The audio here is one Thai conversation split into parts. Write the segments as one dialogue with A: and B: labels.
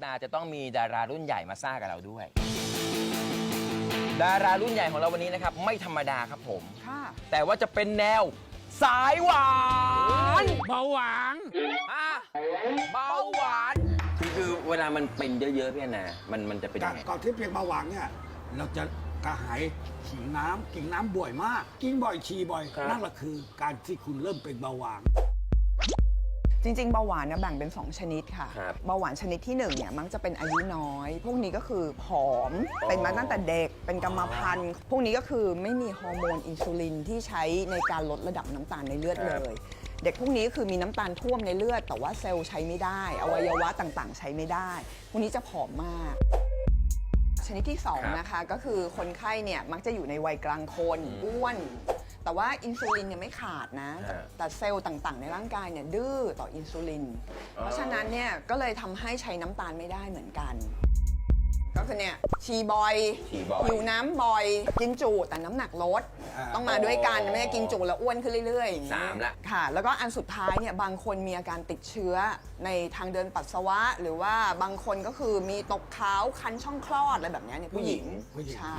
A: ตาจะต้องมีดารารุ่นใหญ่มาซ่ากับเราด้วย ดารารุ่นใหญ่ของเราวันนี้นะครับไม่ธรรมดาครับผมค่ะแต่ว่าจะเป็นแนวสายหวาน
B: เบาหวาน
A: เบาหวานคือเวลามันเป็นเยอะๆพี่แอนนามันจะเป็นยังไง
C: ก่อนที่เป็นเบาหวานเนี่ยเราจะกระหายฉี่น้ำกินน้ำบ่อยมาก กินบ่อยฉี่บ่อยนั่นแหละคือการที่คุณเริ่มเป็นเบาหวาน
D: จริงๆเบาหวานเนี่ยแบ่งเป็น2ชนิดค่ะเบาหวานชนิดที่1เนี่ยมักจะเป็นอายุน้อยพวกนี้ก็คือผอมเป็นมาตั้งแต่เด็กเป็นกรรมพันธุ์พวกนี้ก็คือไม่มีฮอร์โมนอินซูลินที่ใช้ในการลดระดับน้ำตาลในเลือดเลยเด็กพวกนี้คือมีน้ำตาลท่วมในเลือดแต่ว่าเซลล์ใช้ไม่ได้อวัยวะต่างๆ ใช้ไม่ได้พวกนี้จะผอมมากชนิดที่2นะคะก็คือคนไข้เนี่ยมักจะอยู่ในวัยกลางคนอ้วนแต่ว่าอินซูลินเนี่ยไม่ขาดนะแต่เซลล์ต่างๆในร่างกายเนี่ยดื้อต่ออินซูลินเพราะฉะนั้นเนี่ยก็เลยทำให้ใช้น้ำตาลไม่ได้เหมือนกันก็คือเนี่ยฉี่บ่อยหิวน้ำบ่อยกินจุแต่น้ำหนักลดต้องมาด้วยกันไม่ได้กินจุแล้วอ้วนขึ้นเรื่อยๆ
A: 3ละ
D: ค่ะแล้วก็อันสุดท้ายเนี่ยบางคนมีอาการติดเชื้อในทางเดินปัสสาวะหรือว่าบางคนก็คือมีตกขาวคันช่องคลอดอะไรแบบนี้เนี่ยผู้หญิงใช่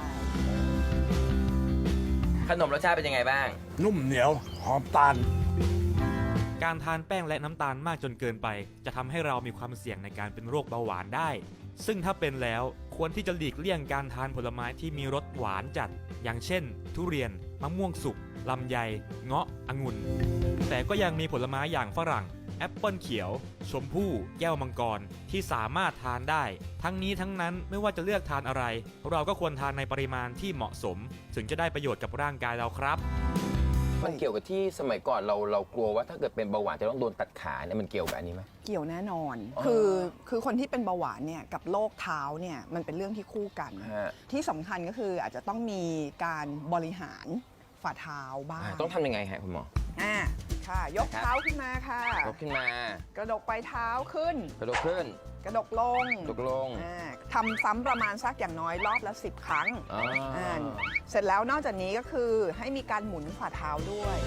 A: ขนมรสชาติเป็นยังไงบ้าง
C: นุ่มเหนียวหอมตาล
B: การทานแป้งและน้ำตาลมากจนเกินไปจะทำให้เรามีความเสี่ยงในการเป็นโรคเบาหวานได้ซึ่งถ้าเป็นแล้วควรที่จะหลีกเลี่ยงการทานผลไม้ที่มีรสหวานจัดอย่างเช่นทุเรียนมะม่วงสุกลำไยเงาะองุ่นแต่ก็ยังมีผลไม้อย่างฝรั่งแอปเปิลเขียวชมพู่แก้วมังกรที่สามารถทานได้ทั้งนี้ทั้งนั้นไม่ว่าจะเลือกทานอะไรเราก็ควรทานในปริมาณที่เหมาะสมถึงจะได้ประโยชน์กับร่างกายเราครับ
A: มันเกี่ยวกับที่สมัยก่อนเรากลัวว่าถ้าเกิดเป็นเบาหวานจะต้องโดนตัดขาเนี่ยมันเกี่ยวกับอันนี้ไหม
D: เกี่ยวแน่นอนคือคนที่เป็นเบาหวานเนี่ยกับโรคเท้าเนี่ยมันเป็นเรื่องที่คู่กันที่สำคัญก็คืออาจจะต้องมีการบริหารฝ่าเท้าบ้าง
A: ต้องทำยังไงฮะคุณหมอ
D: ค่ะยกเท้าขึ้นมาค่ะ
A: ยกขึ้นม
D: ากระดกปลายเท้าขึ้น
A: กระดกขึ้น
D: กระดกลงทำซ้ำประมาณสักอย่างน้อยรอบละ10 ครั้งเสร็จแล้วนอกจากนี้ก็คือให้มีการหมุนฝ่าเท้าด้วย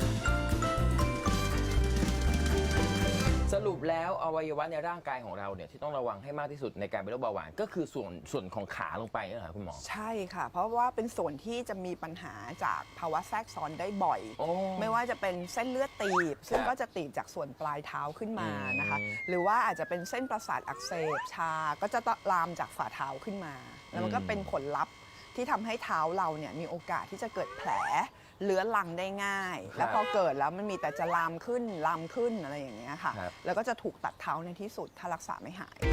A: สรุปแล้วอวัยวะในร่างกายของเราเนี่ยที่ต้องระวังให้มากที่สุดในการเป็นโรคเบาหวานก็คือส่วนของขาลงไปนี่แหละคุณหมอ
D: ใช่ค่ะเพราะว่าเป็นส่วนที่จะมีปัญหาจากภาวะแทรกซ้อนได้บ่อยไม่ว่าจะเป็นเส้นเลือดตีบซึ่งก็จะตีบจากส่วนปลายเท้าขึ้นมานะคะหรือว่าอาจจะเป็นเส้นประสาทอักเสบชาก็จะลามจากฝ่าเท้าขึ้นมาแล้วมันก็เป็นผลลัพธ์ที่ทำให้เท้าเราเนี่ยมีโอกาสที่จะเกิดแผลเลื้อรังได้ง่ายแล้วพอเกิดแล้วมันมีแต่จะลามขึ้นอะไรอย่างเงี้ยค่ะแล้วก็จะถูกตัดเท้าในที่สุดถ้ารักษาไม่หาย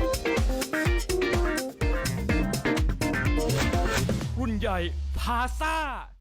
B: รุ่นใหญ่พาซ่า